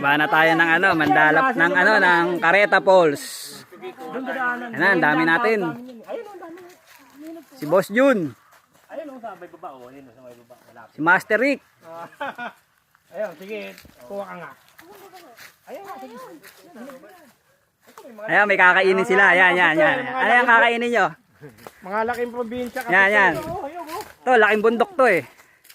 Baba na tayo ng ano, mandalap ng ano, ng Careta Falls. Ayan na, ang dami natin. Si Boss Jun. Ayun oh, sa may baba oh, ayun sa may baba. Malapit. Si Master Rick. Ayun, sige, kuha ka nga. Ayun, sige. Ayan, may kakainin sila. Ayan, yan, yan. Ano yung kakainin nyo? Mga laking probinsya kasi. Yan, yan. To, laking bundok to eh.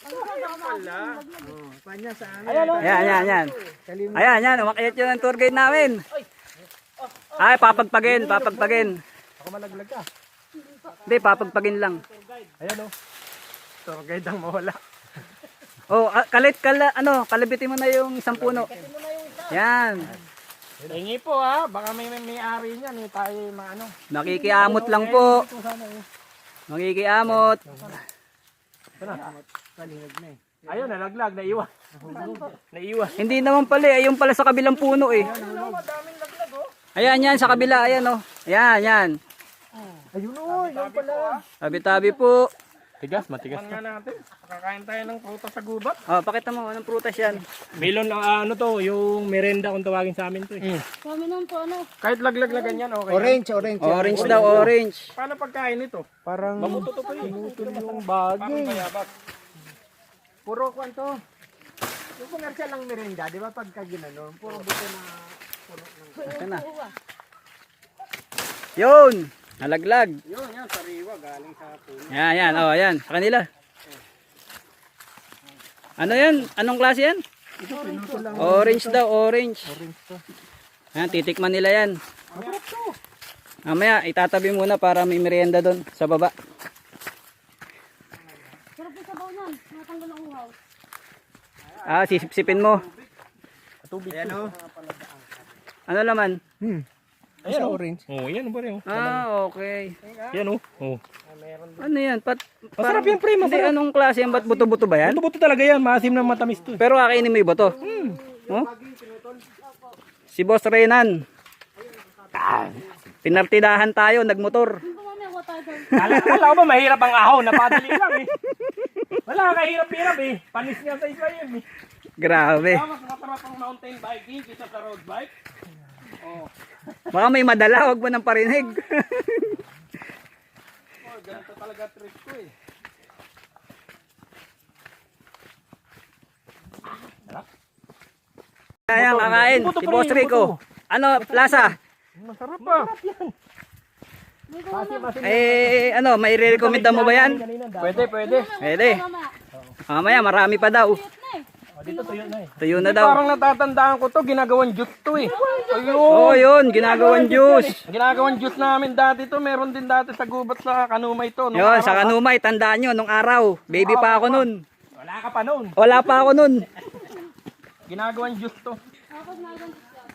Panya sa amin. Ayan, yan, yan. Ayan, yan. Umakyat yun ang tour guide namin. Ay, papagpagin, papagpagin. Ako malaglag ka. Hindi, papagpagin lang. Ayan oh. Tour guide ang mawala. Oh, kalabitin mo na yung isang puno. Yan. Hingi po ha, baka may-ari niyan eh, tayo maano. Nakikiamot lang po. Nakikiamot. Ito na. Ayun, nalaglag, naiwan. Naiwan. Hindi naman pala, ayun pala sa kabilang puno eh. Madaming laglag oh. Ayan, yan, sa kabila, ayan oh. Ayan, yan. Ayun oh, yun pala. Tabi-tabi po. Tigas, matigas. Nga natin, kakain tayo ng prutas sa gubat. Oh, pakita mo, anong prutas yan? Melon lang ano to, yung merenda kung tawagin sa amin to eh. Kami nang po ano. Kahit laglag-lagan yan, okay. Orange. Orange daw, orange. Paano pagkain nito? Parang Mabuto to po yun. yung bagay. Mayabak. Puro kwanto. Yung komersyal lang merinda, di ba pagka ginanon, puro buto na Ito na. Yun, nalaglag. Yun, yan, sariwa, galing sa puno. Yan, yan, oh, yan, sa kanila. Ano yan? Anong klase yan? Orange daw, orange. Yan, titikman nila yan. Mamaya, itatabi muna para may merienda doon sa baba. Sarap yung sabaw nun. Natanggal ang uhaw. Ah, sisipsipin mo. Tubig. Ayan o. Ano laman? Ayan, orange. Oh, yan ba rin? Ah, okay. Yan oh. Oh. Ano yan? Masarap yan, pre, Hindi, anong klase yan? Ba't buto-buto ba yan? Buto-buto talaga yan, maasim na matamis to. Pero kakainin mo yung buto. Oh? Si Boss Renan. Pinartidahan tayo, nagmotor. Yung po mamaya kuha tayo doon. Kala ko ba mahirap ang ahon, napadali lang eh. Wala kahirap-hirap eh. Panis nga sa isa yan eh. Grabe. Mas masarap ang mountain biking kaysa sa road bike. Oh. Baka may madala, wag mo nang parinig. Oh, ganito talaga trick ko eh. Ayan, kakain. Si Boss Rico. Ano, plaza? Masarap pa. Eh, ano, may re-recommend mo ba yan? Pwede, pwede. Pwede. Mamaya, marami pa daw. Oh, dito tuyo na eh. Tuyo na daw. Parang natatandaan ko to, ginagawang juice to eh. Ayun. Oh, yun, ginagawang juice. Ginagawang juice namin dati to, meron din dati sa gubat sa Kanumay to. Yun, sa Kanumay, tandaan nyo, nung araw. Baby pa ako nun. Wala ka pa noon. Wala pa ako nun. Ginagawang juice to. Tapos nagang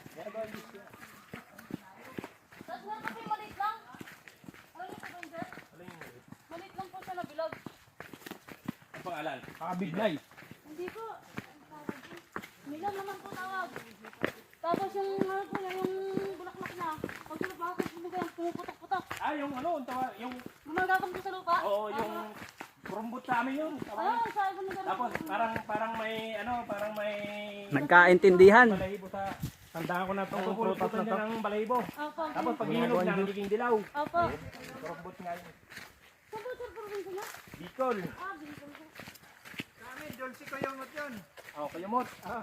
tapos meron kasi maliit lang. Alam niyo po sir? Maliit lang po siya na bilog. Ang pangalan? Kabiglay. Hindi po. Milam naman po tawag. Tapos yung ano po niya, yung bulaklak niya. Pag sinabakot mo yan, pumuputok-putok. Ah, yung ano, yung, Gumagapang po sa lupa. oo, yung kurumbot sa amin yun. Ah, sabi ko na Tapos parang may, ano, parang may Nagkaintindihan. balahibo sa, tandaan ko na itong prutas na to. Ng balahibo. Opo. Tapos pag hinog na, nagiging dilaw. Opo. Kurumbot nga yun. Saan po sir probinsya niya? Bicol. Ah, Bicol po. Kami, Dolce ko yung yun. Oh, kayumot. Ah.